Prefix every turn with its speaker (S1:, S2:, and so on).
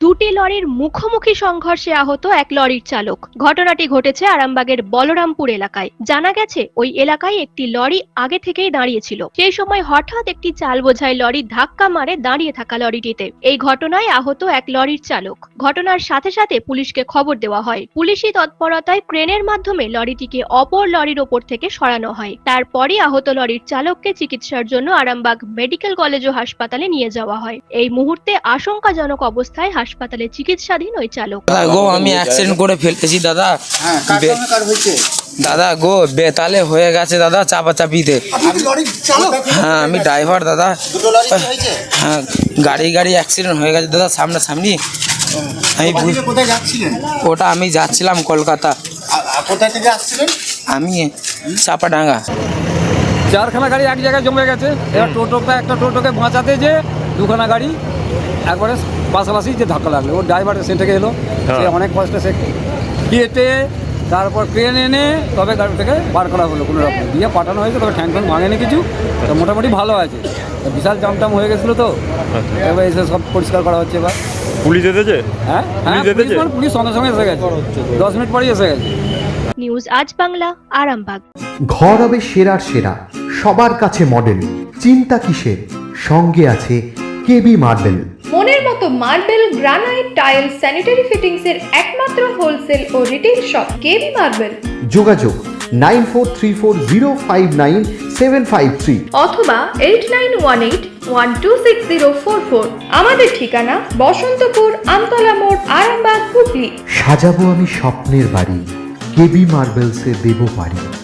S1: দুটি লরির মুখোমুখি সংঘর্ষে আহত এক লরির চালক। ঘটনাটি ঘটেছে আরামবাগের বলরামপুর এলাকায়। জানা গেছে ওই এলাকায় একটি লরি আগে থেকেই দাঁড়িয়েছিল। সেই সময় হঠাৎ একটি চাল বোঝাই লরি ধাক্কা মারে দাঁড়িয়ে থাকা লরিটিতে। এই ঘটনায় আহত এক লরির চালক। ঘটনার সাথে সাথে পুলিশকে খবর দেওয়া হয়। পুলিশি তৎপরতায় ক্রেনের মাধ্যমে লরিটিকে অপর লরির ওপর থেকে সরানো হয়। তারপরই আহত লরির চালককে চিকিৎসার জন্য আরামবাগ মেডিকেল কলেজ ও হাসপাতালে নিয়ে যাওয়া হয়। এই মুহূর্তে আশঙ্কাজনক অবস্থায় হাসপাতালে চিকিৎসাধীন ওই চালক।
S2: দাদা গো, আমি অ্যাক্সিডেন্ট করে ফেলতেছি দাদা। দাদা গো, বেতালে হয়ে গেছে দাদা, চাপাচাপিতে। হ্যাঁ, আমি ড্রাইভার দাদা। হ্যাঁ, গাড়ি অ্যাক্সিডেন্ট হয়ে গেছে দাদা, সামনাসামনি। ওটা আমি যাচ্ছিলাম কলকাতা।
S3: কোথায় থেকে আসছিলেন?
S2: আমি চাপাডাঙ্গা।
S4: চারখানা গাড়ি এক জায়গায় জমে গেছে। এবার একটা টোটোকে বাঁচাতে যে দুখানা গাড়ি একবারে পাশাপাশি যে ধাক্কা লাগলো। ওর ড্রাইভার সে থেকে এলো, সে অনেক কষ্টে সে কেটে তারপর ক্রেন এনে তবে গাড়ি থেকে বার করা হলো, কোনো রকম দিয়ে পাঠানো হয়েছে। তবে ঠ্যাং ঠ্যাং ভাঙেনি কিছু, তো মোটামুটি ভালো আছে। বিশাল জামটাম হয়ে গেছিলো, তো এবার এসে সব পরিষ্কার করা হচ্ছে। এবার
S5: পুলিশ এসেছে?
S4: হ্যাঁ, পুলিশ সঙ্গে সঙ্গে এসে গেছে, 10 মিনিট পরেই এসে গেছে।
S1: নিউজ আজ বাংলা, আরামবাগ।
S6: ঘর হবে সেরার সেরা, সবার কাছে মডেল। চিন্তা কিসের? সঙ্গে আছে কেবি মার্বেল।
S7: মনের মতো marble, granite, tile, sanitary fittings এর একমাত্র হোলসেল ও রিটেল শপ কেবি মার্বেল।
S6: যোগাযোগ 9434059753
S7: অথবা 8918126044। আমাদের ঠিকানা বসন্তপুর, আমতলা মোড়, আরামবাগ, হুগলি।
S6: সাজাবো আমি স্বপ্নের বাড়ি, কেবি মার্বেলসে দেবো বাড়ি।